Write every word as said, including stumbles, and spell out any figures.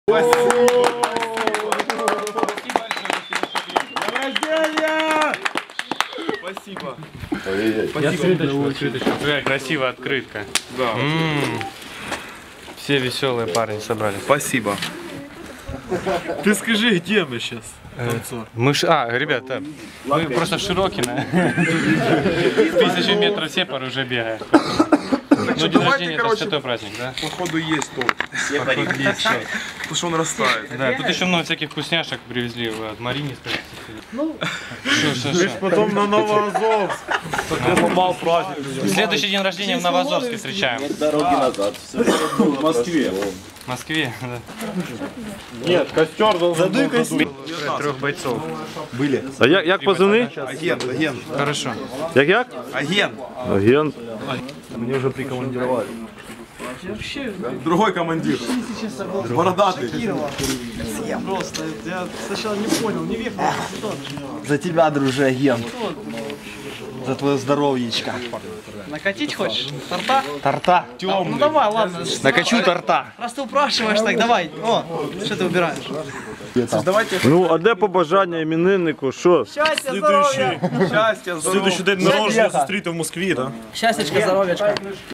Спасибо. Какая красивая открытка. Да. Все веселые парни собрались. Спасибо. Ты скажи, где мы сейчас? Мы ш... А, ребята, мы просто Широкино. Тысячи метров сепар уже бегает. Ну, день рождения это святой праздник, да? Походу есть тут. Походу есть сейчас. Потому что он растает. Да, тут еще много всяких вкусняшек привезли от Марини. Ну, что, что, что? Потом на Новоазовск. Потом попал праздник. Следующий день рождения в Новоазовске встречаем. Дороги назад. В Москве. В Москве, да. Нет, костер должен был задуть. Трех бойцов. Были. А як, як позивний? Агент, агент. Хорошо. Як як? Агент. Агент. Мне уже прикомандировали. Другой командир. Бородатый. Просто, я сначала не понял, не въехал. За тебя, друже, агент. За твое здоровьечко. Накатить хочешь? Торта? Торта. Ну давай, ладно. Накачу торта. Раз ты упрашиваешь, так давай. О, что ты выбираешь? Ну, а де побажання імениннику? Що? Счастья, здоровья! Счастья, здоровья. Следующий день народження зустріти в Москві, так? Счастьечко, здоровьечко.